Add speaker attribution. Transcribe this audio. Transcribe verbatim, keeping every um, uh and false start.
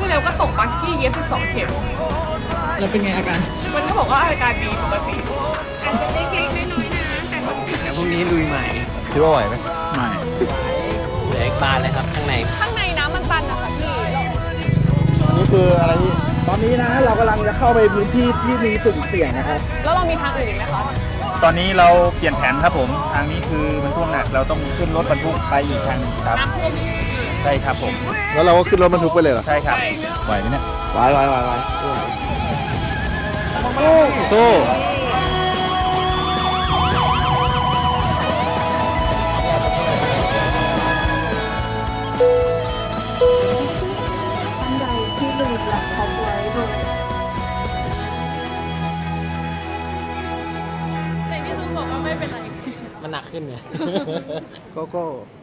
Speaker 1: เร็วก็ตกบักกี้เย็บสิบสองเข็ม
Speaker 2: แล้วเป็นไงอาการ
Speaker 1: มันก็บอกว่าอาการดีปกติอาจจะเล็กๆน้อยๆนะแต่ว่า
Speaker 3: เดี๋ยวพรุ่งนี้ลุยใหม่
Speaker 4: คิดว่าไหวไหม
Speaker 2: ไม่
Speaker 3: เหลืออีกบานเลยครับข้างใน
Speaker 1: ข้างในน้ำมันตันนะคะพี่
Speaker 4: อันนี้คืออะไรที่
Speaker 2: ตอนนี้นะเรากำลังจะเข้าไปพื้นที่ที่มีสุ่มเสี่ยงนะครับ
Speaker 1: แล้วเรามีทางอื่นอีกไหมคะ
Speaker 5: ตอนนี้เราเปลี่ยนแผนครับผม ทางนี้คือมันท่วมหนักเราต้องขึ้นรถบรรทุกไปอีกทางหนึงครับ
Speaker 1: น้ำท่วม
Speaker 5: ใช่ครับผม
Speaker 4: แล้วเราก็ขึ้นรถบรรทุกไปเลยเหรอ
Speaker 5: ใช่ครับไหวไหมเนี่ย
Speaker 4: ไหวไหวไหวไหว
Speaker 5: สู้
Speaker 6: ท่านใดที่ลืมแล็ปท็อปไว้โดย
Speaker 1: แต่พี่ซูบอกว่าไม่เป็นไร
Speaker 3: มันหนักขึ้นไง
Speaker 4: โก็ก็